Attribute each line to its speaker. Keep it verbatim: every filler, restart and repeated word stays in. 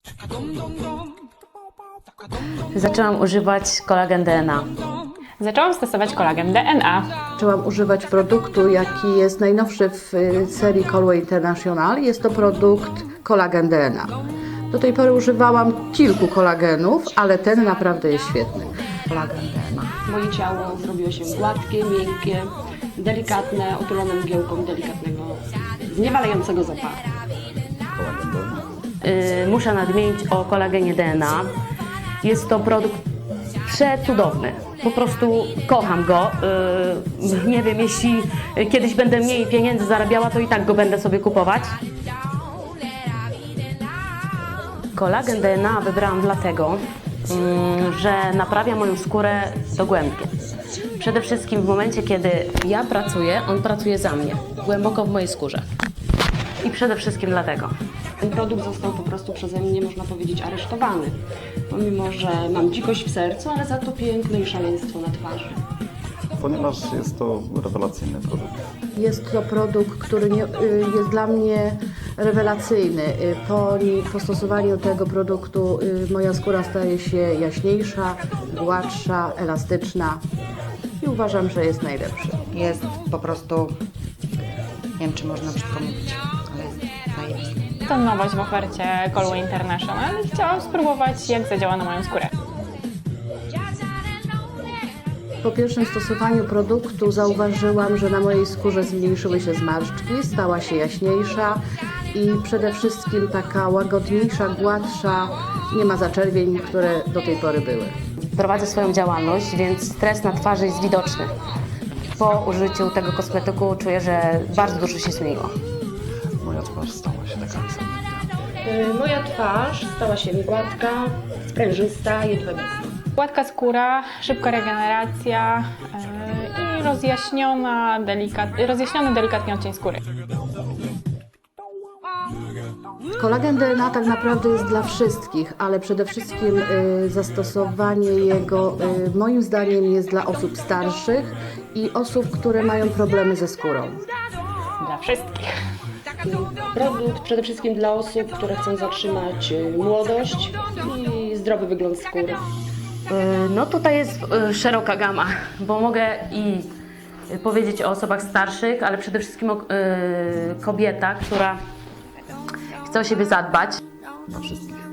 Speaker 1: Zaczęłam używać kolagen D N A.
Speaker 2: Zaczęłam stosować kolagen D N A.
Speaker 3: Zaczęłam używać produktu, jaki jest najnowszy w y, serii Colway International. Jest to produkt kolagen D N A. Do tej pory używałam kilku kolagenów, ale ten naprawdę jest świetny. Kolagen D N A.
Speaker 4: Moje ciało zrobiło się gładkie, miękkie, delikatne, otulone mgiełką delikatnego, zniewalającego zapachu.
Speaker 1: Yy, muszę nadmienić o kolagenie D N A. Jest to produkt przecudowny. Po prostu kocham go. Yy, nie wiem, jeśli kiedyś będę mniej pieniędzy zarabiała, to i tak go będę sobie kupować. Kolagen D N A wybrałam dlatego, yy, że naprawia moją skórę dogłębnie. Przede wszystkim w momencie, kiedy ja pracuję, on pracuje za mnie, głęboko w mojej skórze. I przede wszystkim dlatego.
Speaker 4: Ten produkt został po prostu przeze mnie, można powiedzieć, aresztowany. Pomimo, że mam dzikość w sercu, ale za to piękno i szaleństwo na twarzy.
Speaker 5: Ponieważ jest to rewelacyjny produkt.
Speaker 3: Jest to produkt, który nie, y, jest dla mnie rewelacyjny. Y, Po, ni- po stosowaniu tego produktu y, moja skóra staje się jaśniejsza, gładsza, elastyczna i uważam, że jest najlepszy.
Speaker 6: Jest po prostu, nie wiem czy można brzydko mówić, ale jest zajebisty.
Speaker 2: To nowość w ofercie Colway International i chciałam spróbować, jak zadziała na moją skórę.
Speaker 3: Po pierwszym stosowaniu produktu zauważyłam, że na mojej skórze zmniejszyły się zmarszczki, stała się jaśniejsza i przede wszystkim taka łagodniejsza, gładsza, nie ma zaczerwień, które do tej pory były.
Speaker 1: Prowadzę swoją działalność, więc stres na twarzy jest widoczny. Po użyciu tego kosmetyku czuję, że bardzo dużo się zmieniło.
Speaker 5: Moja twarz stała się taka sama.
Speaker 4: Y, Moja twarz stała się gładka, sprężysta, jedwabista.
Speaker 2: Gładka skóra, szybka regeneracja yy, i rozjaśniona, delikat, rozjaśniony delikatnie odcień skóry.
Speaker 3: Kolagen D N A tak naprawdę jest dla wszystkich, ale przede wszystkim y, zastosowanie jego y, moim zdaniem jest dla osób starszych i osób, które mają problemy ze skórą.
Speaker 2: Dla wszystkich.
Speaker 4: Produkt przede wszystkim dla osób, które chcą zatrzymać y, młodość i zdrowy wygląd skóry.
Speaker 1: Yy, No tutaj jest yy, szeroka gama, bo mogę i yy, powiedzieć o osobach starszych, ale przede wszystkim o yy, kobietach, która chce o siebie zadbać.
Speaker 5: Dla wszystkich.